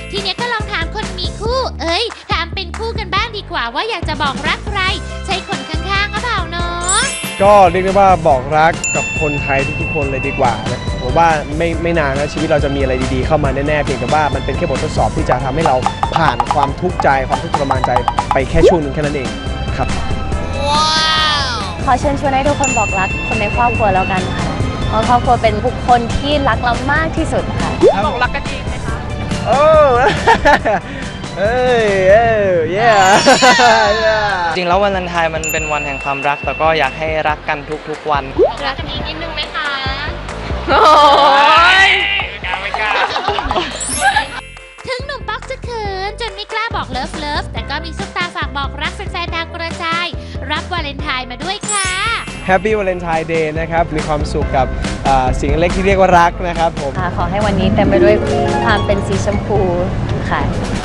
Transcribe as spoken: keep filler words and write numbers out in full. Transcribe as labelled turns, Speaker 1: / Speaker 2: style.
Speaker 1: ทีเนี้ยก็ลองถามคนมีคู่ เอ้ยถามเป็นคู่กันบ้างดีกว่าว่าอยากจะบอกรักใครใช่คนข้างๆหรือเปล่าเนาะ
Speaker 2: ก็เรียกได้ว่าบอกรักกับคนไทยทุกๆคนเลยดีกว่านะผมว่าไม่ไม่นานนะชีวิตเราจะมีอะไรดีๆเข้ามาแน่ๆเพียงแต่ว่ามันเป็นแค่บททดสอบที่จะทำให้เราผ่านความทุกข์ใจความทุกข์ทรมานใจไปแค่ช่วงหนึ่งแค่นั้นเองครับ
Speaker 3: ขอเชิญชวนให้ทุกคนบอกรักคนในครอบครัวแล้วกันค่ะเพราะครอบครัวเป็นบุคคลที่รักเรามากที่สุดค่ะบอกรักกันจริงไหมคะ
Speaker 2: โอ้เอ้ยเอ้ยเย้
Speaker 4: จริงแล้ววันวาเลนไทน์มันเป็นวันแห่งความรักแต่ก็อยากให้รักกันทุกๆวัน
Speaker 3: บอกรักกันอีกนิดนึงไหมคะ
Speaker 4: โอ้ยไม่กล้าไม่กล้า
Speaker 1: ถึงหนุ่มป๊อกจะเขินจนไม่กล้าบอกเลิฟเลิฟแต่ก็มีซุปตาฝากบอกรักแฟนๆดาวกระจายรับวาเลนไทน์มาด้วยค่ะ
Speaker 2: Happy Valentine Day นะครับมีความสุขกับสิ่งเล็กที่เรียกว่ารักนะครับผม
Speaker 3: ขอให้วันนี้เต็มไปด้วยความเป็นสีชมพูค่ะ